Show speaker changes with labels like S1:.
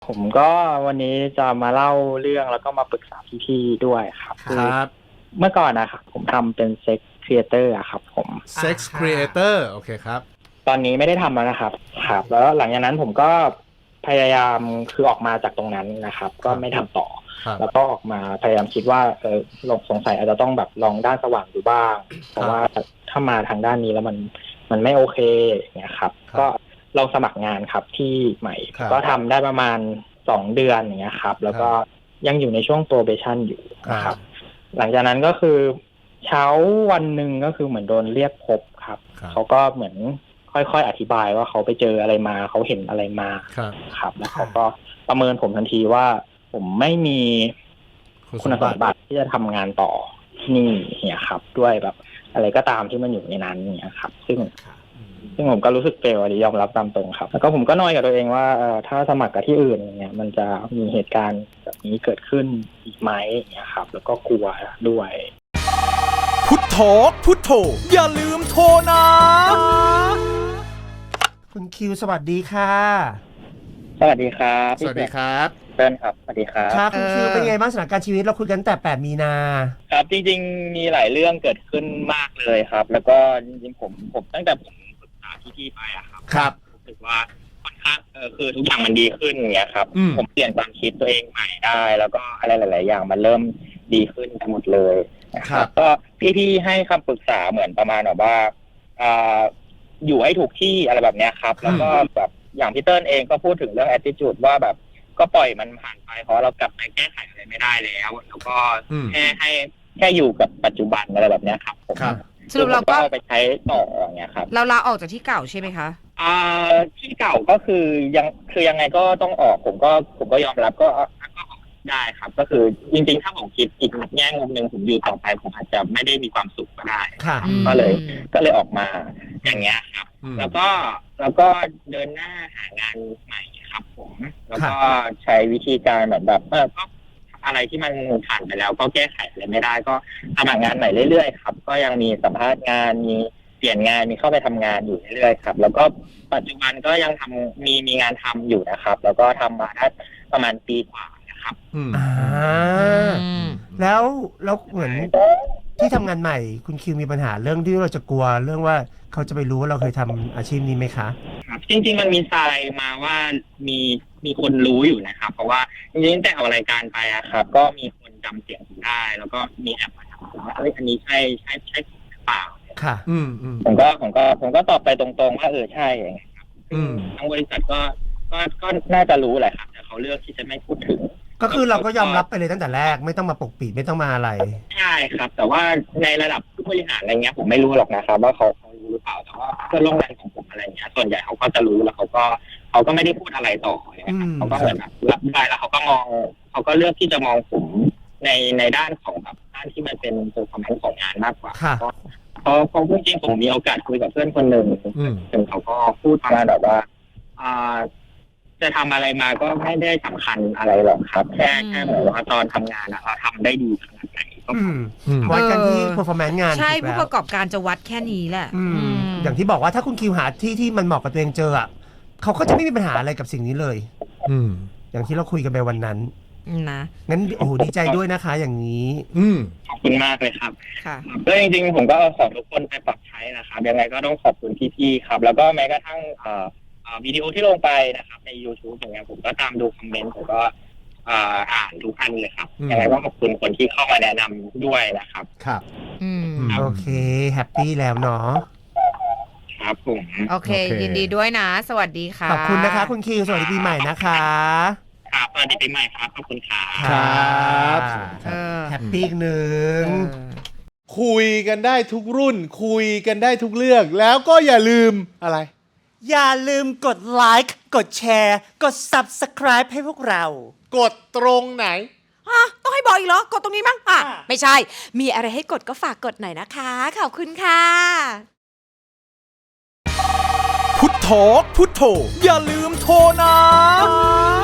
S1: ผมก็วันนี้จะมาเล่าเรื่องแล้วก็มาปรึกษาพี่ๆด้วยครับ
S2: ครับ
S1: เมื่อก่อนนะครับผมทำเป็นเซ็กครีเอเตอร์ครับผม
S2: Sex Creator โอเคครับ
S1: ตอนนี้ไม่ได้ทำแล้วนะครับครับแล้วหลังจากนั้นผมก็พยายามคือออกมาจากตรงนั้นนะครับ ก็ไม่ทำต่อ แล้วก็ออกมาพยายามคิดว่าลองสงสัยอาจจะต้องแบบลองด้านสว่างดูบ้างเพราะว่าถ้ามาทางด้านนี้แล้วมันไม่โอเคอย่างเงี้ยครับก็ลองสมัครงานครับที่ใหม่ก็ทำได้ประมาณ2 เดือนอย่างเงี้ยครับแล้วก็ยังอยู่ในช่วง probation อยู่นะครับหลังจากนั้นก็คือเช้าวันหนึ่งก็คือเหมือนโดนเรียกพบครับเขาก็เหมือนค่อยๆอธิบายว่าเขาไปเจออะไรมาเขาเห็นอะไรมาครับแล้วเขาก็ประเมินผมทันทีว่าผมไม่มีคุณสมบัติที่จะทำงานต่อที่นี่เนี่ยครับด้วยแบบอะไรก็ตามที่มันอยู่ในนั้นเนี่ยครับซึ่งผมก็รู้สึกเฟลยอมรับตามตรงครับแล้วก็ผมก็น้อยกับตัวเองว่าถ้าสมัครกับที่อื่นเนี่ยมันจะมีเหตุการณ์แบบนี้เกิดขึ้นอีกไหมเนี่ยครับแล้วก็กลัวด้วย
S3: พุทโธพุทโธอย่าลืมโทรนะ
S4: คุณคิวสวัสดีค่ะ
S1: สวัสดีครับ
S2: สวัสดีครับ
S1: เติ้ลครับสวัสดีครับ
S4: ครับคุณคิวเป็นไงบ้างสถานการณ์ชีวิตเราคุยกันแต่8 มีนา
S1: ครับจริงๆมีหลายเรื่องเกิดขึ้นมากเลยครับแล้วก็จริงๆผมตั้งแต่ผมปรึกษาพี่ๆไปอะครับ
S2: ครับ
S1: รู้สึกว่าค่อนข้างคือทุกอย่างมันดีขึ้นอย่างเงี้ยครับผมเปลี่ยนความคิดตัวเองใหม่ได้แล้วก็อะไรหลายๆอย่างมันเริ่มดีขึ้นทั้งหมดเลยนะครับก็พี่ๆให้คำปรึกษาเหมือนประมาณแบบว่าอยู่ให้ถูกที่อะไรแบบเนี้ยครับแล้วก็แบบอย่างพี่เติ้ลเองก็พูดถึงเรื่อง attitude ว่าแบบก็ปล่อยมันผ่านไปเพราะเรากลับไปแก้ไขอะไรไม่ได้แล้วแล้วก็แค่อยู่กับปัจจุบันอะไรแบบเนี้ยครับ
S5: สรุปเราก็
S1: ไปใช้ต่ออย่างเงี้ยครับ
S5: เราลาออกจากที่เก่าใช่ไหมคะ
S1: ที่เก่าก็คือยังไงก็ต้องออกผมก็ยอมรับก็ได้ครับก็คือจริงๆถ้าผมคิดอีกแง่มุมหนึ่งผมอยู่ต่อไปผมอาจจะไม่ได้มีความสุขก็ได้ก็เลยออกมาอย่างเงี้ยครับแล้วก็เดินหน้าหางานใหม่ครับผมแล้วก็ใช้วิธีการแบบก็อะไรที่มันผ่านไปแล้วก็แก้ไขอะไรไม่ได้ก็สมัครงานใหม่เรื่อยๆครับก็ยังมีสัมภาษณ์งานมีเปลี่ยนงานมีเข้าไปทำงานอยู่เรื่อยๆครับแล้วก็ปัจจุบันก็ยังมีงานทำอยู่นะครับแล้วก็ทำมาได้ประมาณปีกว่านะครับ
S4: แล้วเหมือนที่ทำงานใหม่คุณคิวมีปัญหาเรื่องที่เราจะกลัวเรื่องว่าเขาจะไปรู้ว่าเราเคยทำอาชีพนี้ไหมคะ
S1: ครับจริงๆมันมีทรายมาว่ามีคนรู้อยู่นะครับเพราะว่าจริงๆแต่เอารายการไปอะครับก็มีคนจำเสียงผมได้แล้วก็มีแอบมาถามว่าอันนี้ใช่หรือเปล่า
S4: ค่ะ
S1: ผมก็ตอบไปตรงๆว่าใช่อย่างเงี้ยครับทางบริษัทก็น่าจะรู้แหละครับแต่เขาเลือกที่จะไม่พูดถึง
S4: ก็คือเราก็ยอมรับไปเลยตั้งแต่แรกไม่ต้องมาปกปิดไม่ต้องมาอะไร
S1: ใช่ครับแต่ว่าในระดับผู้บริหารอะไรเงี้ยผมไม่รู้หรอกนะครับว่าเขารู้หรือเปล่าแต่ว่าเพื่อนร่วมงานของผมอะไรเงี้ยส่วนใหญ่เขาก็จะรู้แล้วเขาก็ไม่ได้พูดอะไรต่อเขาก็เหมือนแบบรับได้แล้วเขาก็เลือกที่จะมองผมในด้านของแบบด้านที่มันเป็นตัวคอมเมนต์ของงานมากกว่าเพราะจริงๆผมมีโอกาสคุยกับเพื่อนคนหนึ่งซึ่งเขาก็พูดประมาณแบบว่าจะททำอะไรมาก็ไม่ได้สำคัญอะไรหรอกครับแค่เหมือนว่าตอนทำงานเราทำได้ดีขนาดไหนก็
S4: วัดกันที่ performance งาน
S5: ใช่ผู้ประกอบการจะวัดแค่นี้แหละ
S4: อย่างที่บอกว่าถ้าคุณคิวหาที่มันเหมาะกับตัวเองเจอเขาก็จะไม่มีปัญหาอะไรกับสิ่งนี้เลยอย่างที่เราคุยกันไปวันนั้น
S5: นะ
S4: งั้นโอ้โหดีใจด้วยนะคะอย่างนี้
S1: ขอบคุณมากเลยครับก็จริงๆผมก็ขอทุกคนไปปรับใช้นะครับยังไงก็ต้องขอบคุณพี่ๆครับแล้วก็แม้กระทั่งวิดีโอที่ลงไปนะครับใน YouTube อย่างเงี้ยผมก็ตามดูคอมเมนต์ผมก็อ่านทุกอันเลยครับยังไงก็ขอบคุณคนที่เข้ามาแนะนำด้วยนะครับ
S4: ครับโอเคแฮปปี้แล้วเนาะ
S1: ครับผม
S5: โอเคยินดีด้วยนะสวัสดีค่ะ
S4: ขอบคุณนะคะคุณคิวสวัสดีปีใหม่นะคะ
S1: ครับสวัสดีปีใหม่ครับขอบคุณ
S4: ครับแฮปปี้หนึ่ง
S2: คุยกันได้ทุกรุ่นคุยกันได้ทุกเรื่องแล้วก็อย่าลืมอะไร
S4: อย่าลืมกดไลค์กดแชร์กด Subscribe ให้พวกเรา
S2: กดตรงไหน
S5: ต้องให้บอกอีกเหรอกดตรงนี้มั้งไม่ใช่มีอะไรให้กดก็ฝากกดหน่อยนะคะขอบคุณค่ะ
S3: พุทโธพุทโธอย่าลืมโทรนะ